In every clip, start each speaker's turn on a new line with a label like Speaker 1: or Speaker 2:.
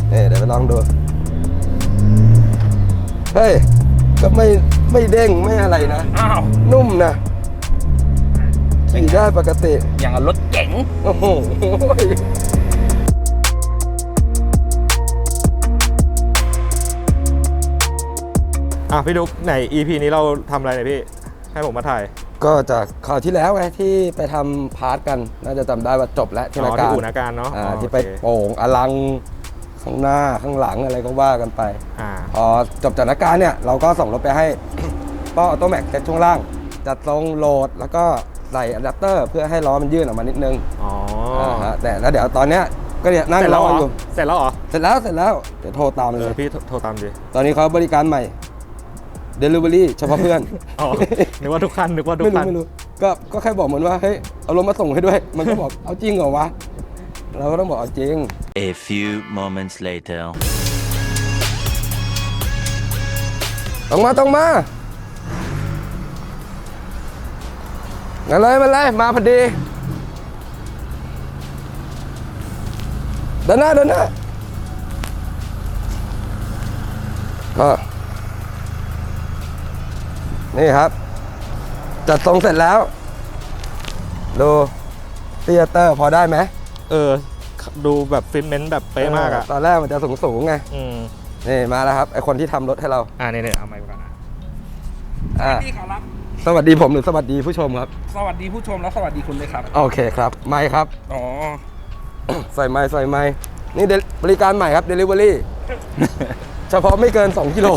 Speaker 1: เดี๋ยวไปลองดูเฮ้ยก็ไม่เด้งไม่อะไรนะ
Speaker 2: อ้าว
Speaker 1: นุ่มนะขี่ได้ปกติ
Speaker 2: อย่างรถเก๋ง
Speaker 1: โอ้โห
Speaker 3: พี่ดุ๊กไหน EP นี้เราทำอะไรเนี่ยพี่ให้ผมมาถ่าย
Speaker 1: ก็จากข่าวที่แล้วไงที่ไปทำพาร์ทกันน่าจะจำได้ว่าจบแล้วที่นาการ
Speaker 3: ที่อู่นาการเนาะ
Speaker 1: ที่ไปโป่งอลังข้างหน้าข้างหลังอะไรก็ว่ากันไปพอจบจากนาการเนี่ยเราก็ส่งรถไปให้ป้อออโต้แม็กเซ็ตช่วงล่างจัดทรงโหลดแล้วก็ใส่อะแดปเตอร์เพื่อให้ล้อมันยื่นออกมานิดนึงแต่แล้วเดี๋ยวตอนเนี้ยก็เนี่ยนั่งรออยู่
Speaker 3: เสร็จแล้วเหรอ
Speaker 1: เสร็จแล้วเดี๋ยวโทรตามเลย
Speaker 3: พี่โทรตามดิ
Speaker 1: ตอนนี้เขาบริการใหม่ Delivery เฉพาะเพื่อน
Speaker 3: นึกว่าทุกคัน
Speaker 1: ไม่รู้ก็แค่บอกมันว่าเฮ้ยเอารถมาส่งให้ด้วยมันก็บอกเอาจริงเหรอวะเราก็ต้องบอกเอาจริง
Speaker 4: A few moments later
Speaker 1: ต้องมางั้นเลยมาพอดีเดินหน้าก็นี่ครับจัดทรงเสร็จแล้วดูเตียเตอร์พอได้ไหม
Speaker 3: ดูแบบฟิตเมนต์แบบเป๊ะมากอะ
Speaker 1: ตอนแรกมันจะสูงไงนี่มาแล้วครับไอคนที่ทำรถให้เรา
Speaker 3: นี่เอาไมค์ก่อนนะ
Speaker 2: พี่ขอรับ
Speaker 1: สวัสดีผมหรือสวัสดีผู้ชมครับ
Speaker 2: สวัสดีผู้ชมแล้วสวัสดีคุณเลยครับ
Speaker 1: โอเคครับไมค์ครับใส่ไมค์นี่บริการใหม่ครับ Delivery เฉพาะไม่เกิน2กิโล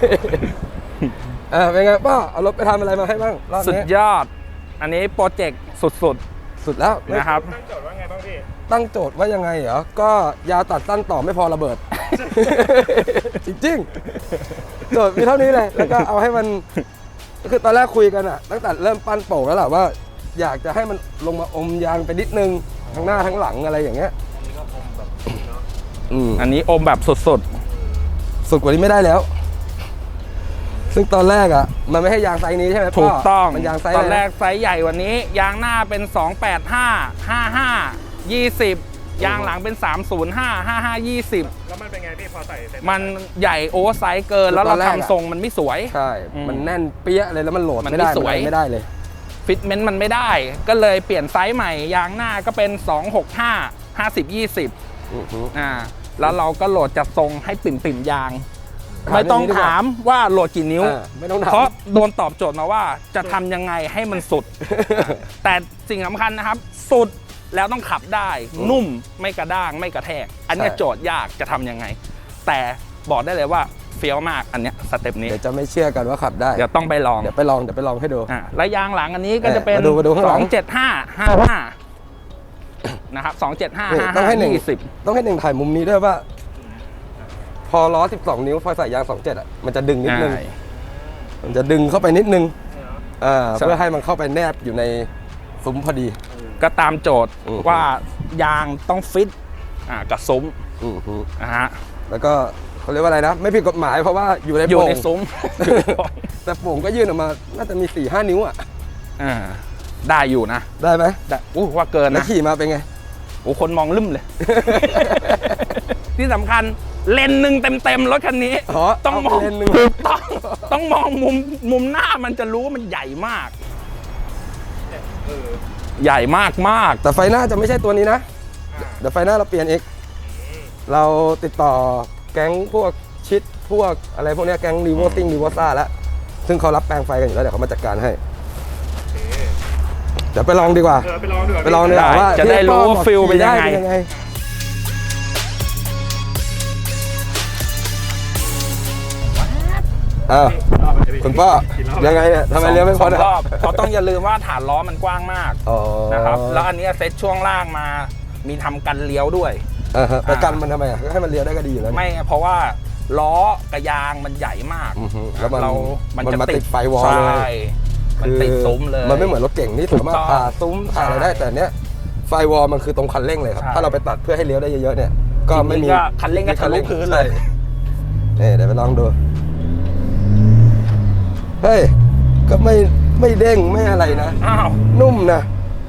Speaker 1: เป็นไงป้าเอารถไปทำอะไรมาให้บ้างรอบนี้
Speaker 2: สุดยอดอันนี้โปรเจกต์สุด
Speaker 1: แล้ว
Speaker 2: นะครับ
Speaker 3: ตั้งโจทย์ว่าไงบ้างพี่
Speaker 1: ตั้งโจทย์ว่ายังไงเหรอก็ยาวตัดสั้นต่อไม่พอระเบิด จริงๆโจทย์มีเท่านี้เลยแล้วก็เอาให้มันคือตอนแรกคุยกันอะตั้งแต่เริ่มปั้นโป่งแล้วแหละว่าอยากจะให้มันลงมาอมยางไปนิดนึงทั้งหน้าทั้งหลังอะไรอย่างเงี้ย
Speaker 2: อันนี้อมแบบสุด
Speaker 1: กว่านี้ไม่ได้แล้วซึ่งตอนแรกอ่ะมันไม่ให้ยางไซส์นี้ใช่ไหม
Speaker 2: ถูกต้อง
Speaker 1: มันยางไซส์
Speaker 2: ตอนแรกไซส์ใหญ่กว่านี้ยางหน้าเป็น285 55 20ยางหลังเป็น305 55 20
Speaker 3: แล้วมันเป็นไงพี่พอใส่
Speaker 2: มันใหญ่โอเวอร์ไซส์เกินแล้วเราทำทรงมันไม่สวย
Speaker 1: ใช่มันแน่นเปี้ยเลยแล้วมันโหลดไม่ได้ไม่ได้เลย
Speaker 2: ฟิตเมนต์มันไม่ได้ก็เลยเปลี่ยนไซส์ใหม่ยางหน้าก็เป็น265 50 20แล้วเราก็โหลดจัดทรงให้ปิ่มยางไม่ต้องถามว่าโหลดกี่นิ้วเพราะโดนตอบโจทย์มาว่าจะทำยังไงให้มันสุด แต่สิ่งสำคัญนะครับสุดแล้วต้องขับได้นุ่มไม่กระด้างไม่กระแทกอันนี้โจทย์ยากจะทำยังไงแต่บอกได้เลยว่าเฟี้ยวมากอันนี้สเต็ปนี้
Speaker 1: เดี๋ยวจะไม่เชื่อกันว่าขับได้
Speaker 2: เดี๋ยวต้องไปลอง
Speaker 1: เดี๋ยวไปลองให้ดู
Speaker 2: และยางหลังอันนี้ก็จะเป็น275 55นะครับ275
Speaker 1: ต้องให้หนึ่ง
Speaker 2: 20
Speaker 1: ต้องให้หนึ่งถ่ายมุมนี้ด้วยว่าพอล้อ12นิ้วพอใส่ยาง27อ่ะมันจะดึงนิดนึงมันจะดึงเข้าไปนิดนึงเพื่อให้มันเข้าไปแนบอยู่ในซุ้มพอดี
Speaker 2: ก็ตามโจทย์ว่ายางต้องฟิตกับซุ้ม
Speaker 1: แล้วก็เขาเรียกว่าอะไรนะไม่ผิดกฎหมายเพราะว่าอยู่ใน
Speaker 2: ซุ้ม
Speaker 1: แต่โป่งก็ยื่นออกมาน่าจะมี 4-5 นิ้ว
Speaker 2: ได้อยู่นะ
Speaker 1: ได้ไหม
Speaker 2: ได้ว่าเกินนะ
Speaker 1: ขี่มาเป็นไง
Speaker 2: คนมองลืมเลย ที่สำคัญเลนหนึ่งเต็มรถคันนี้ต้องมองต้องมองมุมหน้ามันจะรู้ว่ามันใหญ่มากใหญ่มาก
Speaker 1: แต่ไฟหน้าจะไม่ใช่ตัวนี้นะเดี๋ยวไฟหน้าเราเปลี่ยนอีกเราติดต่อแก๊งพวกชิดพวกอะไรพวกนี้แก๊งรีโวติ้งรีโวซ่าแล้วซึ่งเขารับแปลงไฟกันอยู่แล้วเดี๋ยวเขามาจัดการให้เดี๋ยวไปลองดีกว่า
Speaker 3: ไปลองดีก
Speaker 1: ว่า
Speaker 2: จะได้รู้ว่าฟิลเป็นยังไง
Speaker 1: คุณป้ายังไงเนี่ยทำไมเลี้ยวไม่พอ
Speaker 2: รอบเพราะต้องอย่าลืมว่าฐานล้อมันกว้างมากนะครับแล้วอันนี้เซตช่วงล่างมามีทำกันเลี้ยวด้วย
Speaker 1: ไปกันมันทำไมให้มันเลี้ยวได้ก็ดีอยู่แล้ว
Speaker 2: ไม่เพราะว่าล้อกับยางมันใหญ่มาก
Speaker 1: แล้วมันจะติดไฟวอลเลย
Speaker 2: มันติดซุ้มเลย
Speaker 1: มันไม่เหมือนรถเก่งที่สามารถผ่าซุ้มผ่าอะไรได้แต่เนี้ยไฟวอลมันคือตรงคันเร่งเลยครับถ้าเราไปตัดเพื่อให้เลี้ยวได้เยอะๆเนี่ยก็ไม่มี
Speaker 2: คันเร่งก็ทะลุพื้นเลย
Speaker 1: เดี๋ยวไปลองดูเฮ้ยก็ไม่เด้งไม่อะไรนะนุ่มนะ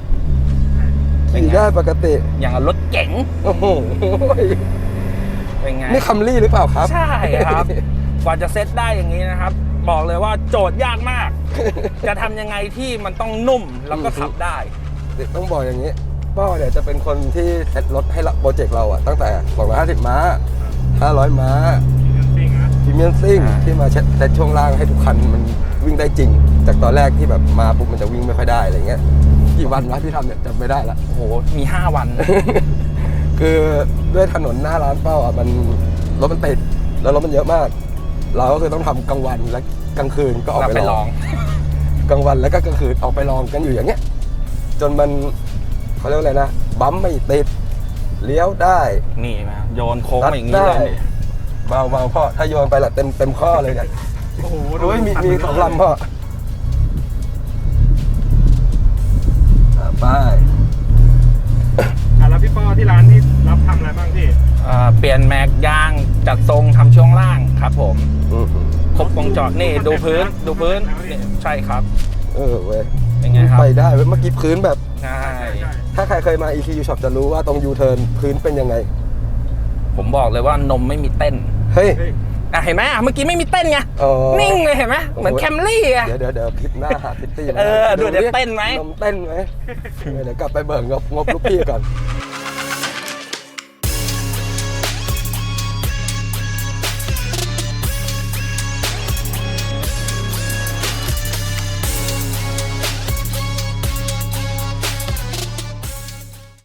Speaker 1: ขี่ได้ปกติ
Speaker 2: อย่างรถเก๋ง
Speaker 1: โอ้โห
Speaker 2: เป็นไงไง
Speaker 1: นี่คัมรี่หรือเปล่าครับ
Speaker 2: ใช่ครับ กว่าจะเซตได้อย่างนี้นะครับ บอกเลยว่าโจทย์ยากมาก จะทำยังไงที่มันต้องนุ่มแล้วก็ขับได้
Speaker 1: ต้องบอกอย่างนี้ป้อเนี่ยจะเป็นคนที่เซตรถให้โปรเจกต์เราอะตั้งแต่250ม้า500ม้าพรีเมียมซิ่งที่มาเซตช่วงล่างให้ทุกคันมันวิ่งได้จริง จากตอนแรกที่แบบมาปุ๊บมันจะวิ่งไม่ค่อยได้อะไรเงี้ยกี่วันวะที่ทำเนี่ยจำไม่ได้ละ
Speaker 2: โอ้โห มี 5 วัน
Speaker 1: คือด้วยถนนหน้าร้านเป้าอ่ะมันรถมันติดแล้วรถมันเยอะมาก เราก็คือต้องทำกลางวันและกลางคืนก็ออกไปลองกลางวันแล้วก็กลางคืนออกไปลองกันอยู่อย่างเงี้ยจนมันเขาเรียกว่าอะไรนะบัมป์ไม่ติดเลี้ยวได้
Speaker 2: นี่นะโยนโค้งมาอย่างนี้เลยนี่
Speaker 1: เบาพ่อถ้าโยนไปละเต็มข้อเลยเนี่ย
Speaker 3: โอ้โห
Speaker 1: โอ้ยมีสองลำพ่อไป
Speaker 3: แล้วพี่ป้อที่ร้านนี่รับทำอะไรบ้างพี่
Speaker 2: เปลี่ยนแม็กยางจัดทรงทำช่วงล่างครับผม ครบวงจรนี่ดูพื้นนี่ใช่ครับ
Speaker 1: เว้ย
Speaker 2: เป็นไงครับ
Speaker 1: ไปได้เว้ยเมื่อกี้พื้นแบบ
Speaker 2: ใช่
Speaker 1: ถ้าใครเคยมา ECU Shop จะรู้ว่าตรง U-turn พื้นเป็นยังไง
Speaker 2: ผมบอกเลยว่านมไม่มีเต้น
Speaker 1: เฮ้ย
Speaker 2: เห็นไหมเมื่อกี้ไม่มีเต้นไง
Speaker 1: อ๋อ
Speaker 2: นิ่งเลยเห็นไหมเหมือนแคมรี่อะ
Speaker 1: เดี๋ยวคลิปหน้าหาพิตตี้
Speaker 2: ดูเดี๋ยวเต้นไหม
Speaker 1: นมเต้นไหมเดี๋ยวกลับไปเบิกงบลูกพี่ก่อน